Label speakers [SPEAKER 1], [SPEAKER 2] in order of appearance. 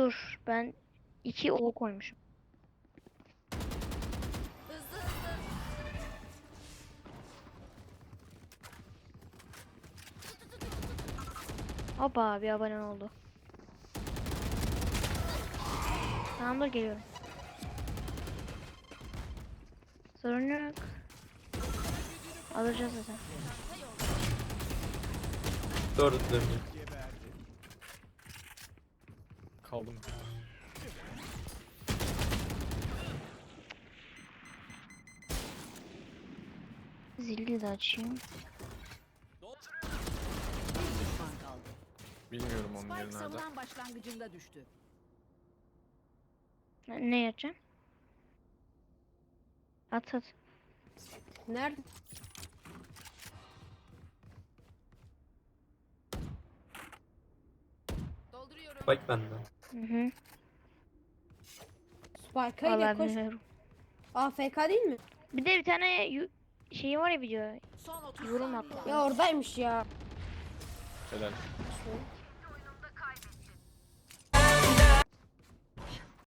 [SPEAKER 1] dur. Ben 2 O koymuşum.
[SPEAKER 2] Hızlı hızlı.
[SPEAKER 1] Hoppa bir abone oldu. Tamamdır geliyorum. Sorun yok. Alacağız zaten.
[SPEAKER 3] Dördü dönüyor. Kaldım.
[SPEAKER 1] Zili de açayım.
[SPEAKER 4] Bir düşman kaldı.
[SPEAKER 3] Bilmiyorum onun
[SPEAKER 4] Spike
[SPEAKER 3] yeri nerede.
[SPEAKER 4] savunan başlangıcında düştü.
[SPEAKER 1] Ne yapacağım? At at.
[SPEAKER 5] Nerede?
[SPEAKER 2] Dolduruyorum.
[SPEAKER 3] Bak bende.
[SPEAKER 1] Hı hı.
[SPEAKER 5] Spike'a
[SPEAKER 1] Vallahi
[SPEAKER 5] ile koş.
[SPEAKER 1] bilmiyorum.
[SPEAKER 5] AFK değil mi?
[SPEAKER 1] Bir de bir tane şeyi var ya video.
[SPEAKER 4] Son 30
[SPEAKER 1] Yorum
[SPEAKER 4] saniye.
[SPEAKER 1] attı.
[SPEAKER 5] Ya oradaymış ya.
[SPEAKER 3] Helal.